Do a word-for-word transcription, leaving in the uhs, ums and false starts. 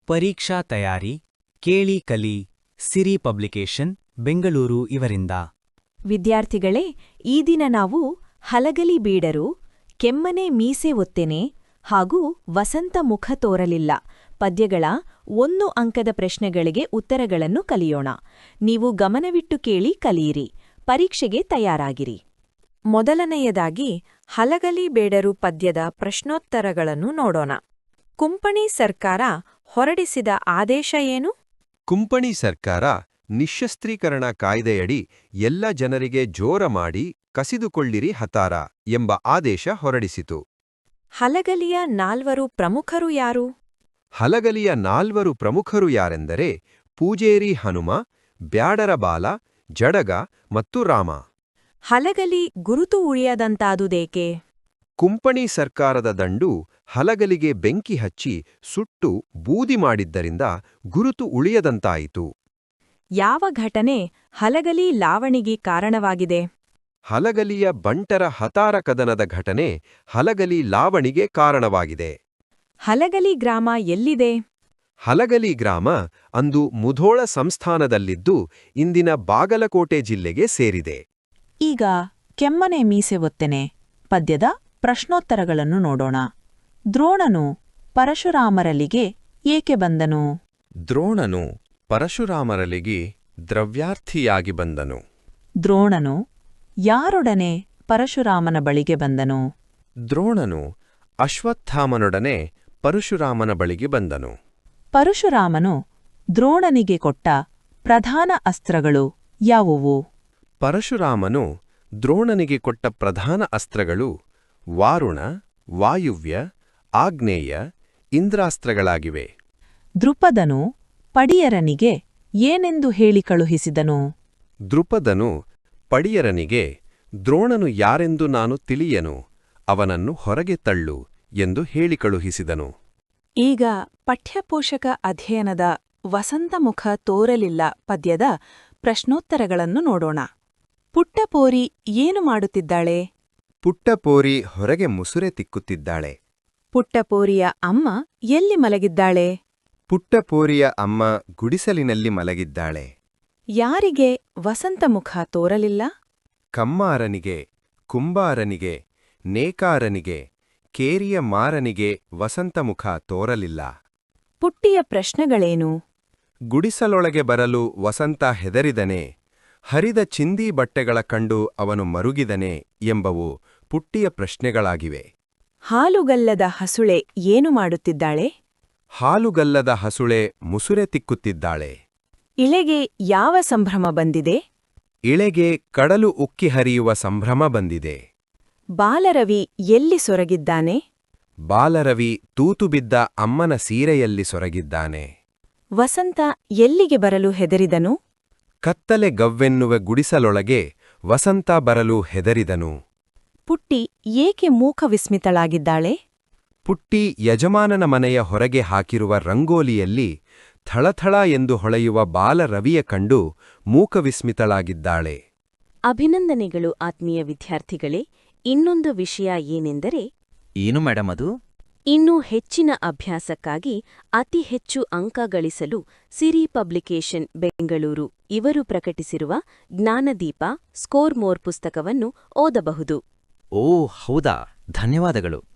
ಪರೀಕ್ಷಾ ತಯಾರಿ ಕೇಳಿ ಕಲಿ ಸಿರಿ ಪಬ್ಲಿಕೇಶನ್ ಬೆಂಗಳೂರು ಇವರಿಂದ. ವಿದ್ಯಾರ್ಥಿಗಳೇ, ಈ ದಿನ ನಾವು ಹಲಗಲಿ ಬೀಡರು, ಕೆಮ್ಮನೆ ಮೀಸೆ ಒತ್ತೆನೆ ಹಾಗೂ ವಸಂತ ಮುಖ ತೋರಲಿಲ್ಲ ಪದ್ಯಗಳ ಒಂದು ಅಂಕದ ಪ್ರಶ್ನೆಗಳಿಗೆ ಉತ್ತರಗಳನ್ನು ಕಲಿಯೋಣ. ನೀವು ಗಮನವಿಟ್ಟು ಕೇಳಿ ಕಲಿಯಿರಿ. ಪರೀಕ್ಷೆಗೆ ತಯಾರಾಗಿರಿ. ಮೊದಲನೆಯದಾಗಿ ಹಲಗಲಿ ಬೇಡರು ಪದ್ಯದ ಪ್ರಶ್ನೋತ್ತರಗಳನ್ನು ನೋಡೋಣ. ಕುಂಪಣಿ ಸರ್ಕಾರ ಹೊರಡಿಸಿದ ಆದೇಶ ಏನು? ಕುಂಪಣಿ ಸರ್ಕಾರ ನಿಶ್ಶಸ್ತ್ರೀಕರಣ ಕಾಯ್ದೆಯಡಿ ಎಲ್ಲ ಜನರಿಗೆ ಜೋರ ಮಾಡಿ ಕಸಿದುಕೊಳ್ಳಿರಿ ಹತಾರ ಎಂಬ ಆದೇಶ ಹೊರಡಿಸಿತು. ಹಲಗಲಿಯ ನಾಲ್ವರು ಪ್ರಮುಖರು ಯಾರು? ಹಲಗಲಿಯ ನಾಲ್ವರು ಪ್ರಮುಖರು ಯಾರೆಂದರೆ ಪೂಜೇರಿ ಹನುಮ, ಬ್ಯಾಡರ ಬಾಲ, ಜಡಗ ಮತ್ತು ರಾಮ. ಹಲಗಲಿ ಗುರುತು ಉಳಿಯದಂತಾದುದೇಕೆ? ಕುಂಪಣಿ ಸರ್ಕಾರದ ದಂಡು ಹಲಗಲಿಗೆ ಬೆಂಕಿ ಹಚ್ಚಿ ಸುಟ್ಟು ಬೂದಿ ಮಾಡಿದ್ದರಿಂದ ಗುರುತು ಉಳಿಯದಂತಾಯಿತು. ಯಾವ ಘಟನೆ ಹಲಗಲಿ ಲಾವಣಿಗೆ ಕಾರಣವಾಗಿದೆ? ಹಲಗಲಿಯ ಬಂಟರ ಹತಾರ ಕದನದ ಘಟನೆ ಹಲಗಲಿ ಲಾವಣಿಗೆ ಕಾರಣವಾಗಿದೆ. ಹಲಗಲಿ ಗ್ರಾಮ ಎಲ್ಲಿದೆ? ಹಲಗಲಿ ಗ್ರಾಮ ಅಂದು ಮುಧೋಳ ಸಂಸ್ಥಾನದಲ್ಲಿದ್ದು ಇಂದಿನ ಬಾಗಲಕೋಟೆ ಜಿಲ್ಲೆಗೆ ಸೇರಿದೆ. ಈಗ ಕೆಮ್ಮನೆ ಮೀಸೆ ಒತ್ತೆನೆ ಪದ್ಯದ ಪ್ರಶ್ನೋತ್ತರಗಳನ್ನು ನೋಡೋಣ. ದ್ರೋಣನು ಪರಶುರಾಮರಲ್ಲಿಗೆ ಏಕೆ ಬಂದನು? ದ್ರೋಣನು ಪರಶುರಾಮರಲ್ಲಿಗೆ ದ್ರವ್ಯಾರ್ಥಿಯಾಗಿ ಬಂದನು. ದ್ರೋಣನು ಯಾರೊಡನೆ ಪರಶುರಾಮನ ಬಳಿಗೆ ಬಂದನು? ದ್ರೋಣನು ಅಶ್ವತ್ಥಾಮನೊಡನೆ ಪರಶುರಾಮನ ಬಳಿಗೆ ಬಂದನು. ಪರಶುರಾಮನು ದ್ರೋಣನಿಗೆ ಕೊಟ್ಟ ಪ್ರಧಾನ ಅಸ್ತ್ರಗಳು ಯಾವುವು? ಪರಶುರಾಮನು ದ್ರೋಣನಿಗೆ ಕೊಟ್ಟ ಪ್ರಧಾನ ಅಸ್ತ್ರಗಳು ವಾರುಣ, ವಾಯುವ್ಯ, ಆಗ್ನೇಯ, ಇಂದ್ರಾಸ್ತ್ರಗಳಾಗಿವೆ. ದೃಪದನು ಪಡಿಯರನಿಗೆ ಏನೆಂದು ಹೇಳಿ ಕಳುಹಿಸಿದನು? ದೃಪದನು ಪಡಿಯರನಿಗೆ ದ್ರೋಣನು ಯಾರೆಂದು ನಾನು ತಿಳಿಯನು, ಅವನನ್ನು ಹೊರಗೆ ತಳ್ಳು ಎಂದು ಹೇಳಿ ಕಳುಹಿಸಿದನು. ಈಗ ಪಠ್ಯಪೋಷಕ ಅಧ್ಯಯನದ ವಸಂತಮುಖ ತೋರಲಿಲ್ಲ ಪದ್ಯದ ಪ್ರಶ್ನೋತ್ತರಗಳನ್ನು ನೋಡೋಣ. ಪುಟ್ಟಪೋರಿ ಏನು ಮಾಡುತ್ತಿದ್ದಾಳೆ? ಪುಟ್ಟಪೋರಿ ಹೊರಗೆ ಮುಸುರೆ ತಿಕ್ಕುತ್ತಿದ್ದಾಳೆ. ಪುಟ್ಟಪೋರಿಯ ಅಮ್ಮ ಎಲ್ಲಿ ಮಲಗಿದ್ದಾಳೆ? ಪುಟ್ಟಪೋರಿಯ ಅಮ್ಮ ಗುಡಿಸಲಿನಲ್ಲಿ ಮಲಗಿದ್ದಾಳೆ. ಯಾರಿಗೆ ವಸಂತಮುಖ ತೋರಲಿಲ್ಲ? ಕಮ್ಮಾರನಿಗೆ, ಕುಂಬಾರನಿಗೆ, ನೇಕಾರನಿಗೆ, ಕೇರಿಯ ಮಾರನಿಗೆ ವಸಂತಮುಖ ತೋರಲಿಲ್ಲ. ಪುಟ್ಟಿಯ ಪ್ರಶ್ನೆಗಳೇನು? ಗುಡಿಸಲೊಳಗೆ ಬರಲು ವಸಂತ ಹೆದರಿದನೆ, ಹರಿದ ಚಿಂದಿ ಬಟ್ಟೆಗಳ ಕಂಡು ಅವನು ಮರುಗಿದನೆ ಎಂಬವು ಪುಟ್ಟಿಯ ಪ್ರಶ್ನೆಗಳಾಗಿವೆ. ಹಾಲುಗಲ್ಲದ ಹಸುಳೆ ಏನು ಮಾಡುತ್ತಿದ್ದಾಳೆ? ಹಾಲುಗಲ್ಲದ ಹಸುಳೆ ಮುಸುರೆ ತಿಕ್ಕುತ್ತಿದ್ದಾಳೆ. ಇಳೆಗೆ ಯಾವ ಸಂಭ್ರಮ ಬಂದಿದೆ? ಇಳೆಗೆ ಕಡಲು ಉಕ್ಕಿ ಹರಿಯುವ ಸಂಭ್ರಮ ಬಂದಿದೆ. ಬಾಲರವಿ ಎಲ್ಲಿ ಸೊರಗಿದ್ದಾನೆ? ಬಾಲರವಿ ತೂತು ಬಿದ್ದ ಅಮ್ಮನ ಸೀರೆಯಲ್ಲಿ ಸೊರಗಿದ್ದಾನೆ. ವಸಂತ ಎಲ್ಲಿಗೆ ಬರಲು ಹೆದರಿದನು? ಕತ್ತಲೆ ಗವ್ವೆನ್ನುವ ಗುಡಿಸಲೊಳಗೆ ವಸಂತ ಬರಲು ಹೆದರಿದನು. ಪುಟ್ಟಿ ಏಕೆ ಮೂಕ ವಿಸ್ಮಿತಳಾಗಿದ್ದಾಳೆ? ಪುಟ್ಟಿ ಯಜಮಾನನ ಮನೆಯ ಹೊರಗೆ ಹಾಕಿರುವ ರಂಗೋಲಿಯಲ್ಲಿ ಥಳಥಳ ಎಂದು ಹೊಳೆಯುವ ಬಾಲರವಿಯ ಕಂಡು ಮೂಕವಿಸ್ಮಿತಳಾಗಿದ್ದಾಳೆ. ಅಭಿನಂದನೆಗಳು ಆತ್ಮೀಯ ವಿದ್ಯಾರ್ಥಿಗಳೇ. ಇನ್ನೊಂದು ವಿಷಯ ಏನೆಂದರೆ, ಏನು ಮೇಡಮ್ ಅದು? ಇನ್ನೂ ಹೆಚ್ಚಿನ ಅಭ್ಯಾಸಕ್ಕಾಗಿ ಅತಿ ಹೆಚ್ಚು ಅಂಕ ಗಳಿಸಲು ಸಿರಿ ಪಬ್ಲಿಕೇಶನ್ ಬೆಂಗಳೂರು ಇವರು ಪ್ರಕಟಿಸಿರುವ ಜ್ಞಾನದೀಪ ಸ್ಕೋರ್ ಮೋರ್ ಪುಸ್ತಕವನ್ನು ಓದಬಹುದು. ಓ ಹೌದಾ, ಧನ್ಯವಾದಗಳು.